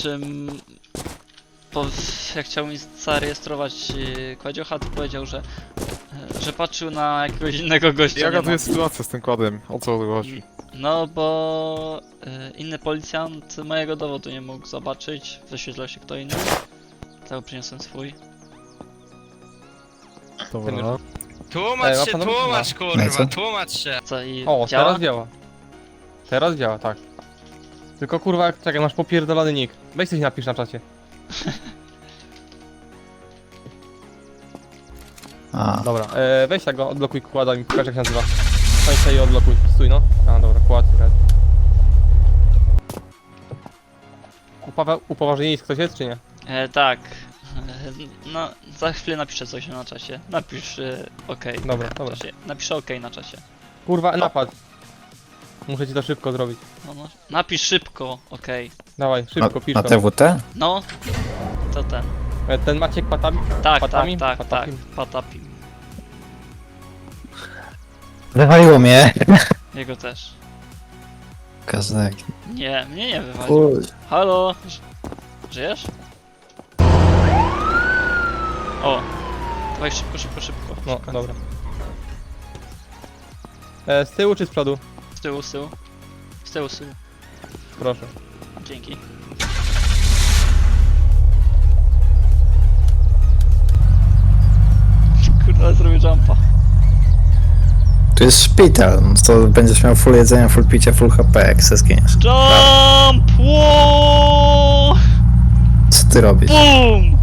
czym jak chciał mi zarejestrować kładziocha, to powiedział, że patrzył na jakiegoś innego gościa. Jaka tu jest sytuacja z tym kładem? O co tu chodzi? No bo inny policjant mojego dowodu nie mógł zobaczyć, wyświetlał się kto inny. Dlatego przyniosłem swój. Dobra. Tłumacz się, panowie, tłumacz No i kurwa, co? tłumacz się. Co i O, działa? teraz działa. Teraz działa, tak. Tylko kurwa, czekaj, masz popierdolony nick. Weź coś napisz na czacie. A, Dobra, weź tak go, odblokuj kłada mi, pokaż jak się nazywa. Weź sobie i odblokuj, stój no. A dobra, kład, red. Upoważnienie ktoś jest czy nie? Tak. No, za chwilę napiszę coś na czasie. Napisz OK. Dobra, na dobra. czasie. Napiszę OK na czasie. Kurwa, napad. Muszę ci to szybko zrobić. No. Napisz szybko OK. Dawaj, szybko, pisz na to. TWT? No, to ten. Ten Maciek patami? Tak, Patami? tak, Patapim? Patapim. Wywaliło mnie. Jego też. Kazak. Nie, mnie nie wywalił. Chuj. Halo? Żyjesz? O! Dawaj szybko, szybko, szybko. No, szybko. dobra. Z tyłu czy z przodu? Z tyłu, z tyłu. Z tyłu, z tyłu. Proszę. Dzięki. Kurwa, zrobię jumpa. Tu jest szpital, no to będziesz miał full jedzenia, full picia, full HP, jak se skiniesz. Jump! Wow! Co ty robisz? Boom!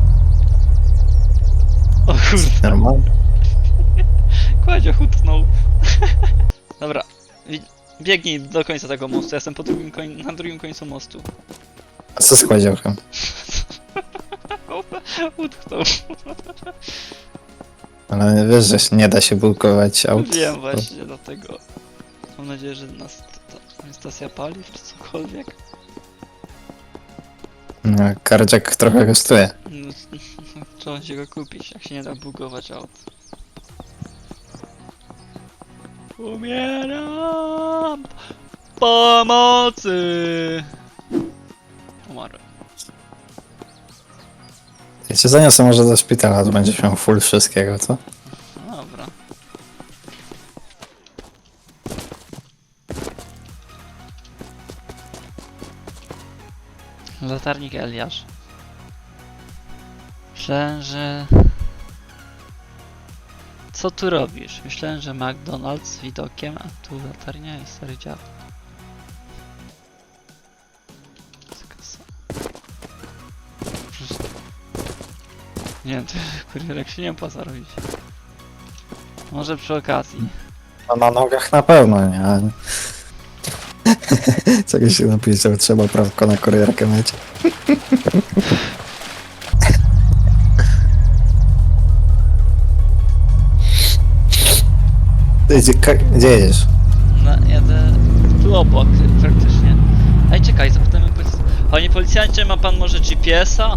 O kurde, Normalnie? Kładzio hutnął. Dobra, biegnij do końca tego mostu, ja jestem po drugim na drugim końcu mostu. A co z kładziołkiem? Utknął. Ale wiesz, że się nie da się bulkować aut. Wiem właśnie, dlatego. Mam nadzieję, że nas ta stacja paliw czy cokolwiek. No, kardziak trochę kosztuje. No, trzeba się go kupić, jak się nie da bugować aut. Umieram! Pomocy! Umarłem. Ja cię zaniosę może do szpitala, to będziesz miał full wszystkiego, co? Dobra. Latarnik Eliasz. Myślałem, że... Co tu robisz? Myślałem, że McDonald's z widokiem, a tu latarnia i stary dziad. Nie wiem, to kurierek się nie opłaca robić. Może przy okazji. No na nogach na pewno, nie? Ale... Czegoś się napisał, trzeba prawko na kurierkę mieć. Ty, gdzie jedziesz? No, jadę tu obok praktycznie. Ej, czekaj, zapytamy panie policjancie, ma pan może GPS-a?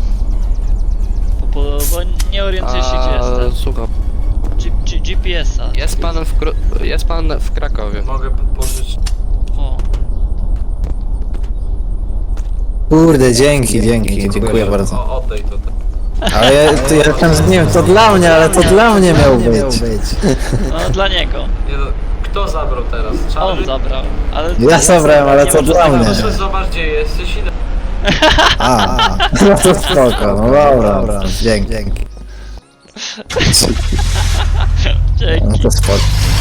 Bo nie orientuję się gdzie jestem. Słucham. GPS-a. Jest pan w Krakowie. Mogę podpożyczyć. O, Kurde, dziękuję bardzo. Oddaj to. Ale ja tam z nim, to dla mnie, ale to dla mnie miał być. no dla niego. Nie no, kto zabrał teraz? On zabrał, ale... Ja zabrałem, ale to dla mnie. Proszę zobacz gdzie jesteś i... No to spoko, no dobra, dzięki. Dzięki. No to spoko.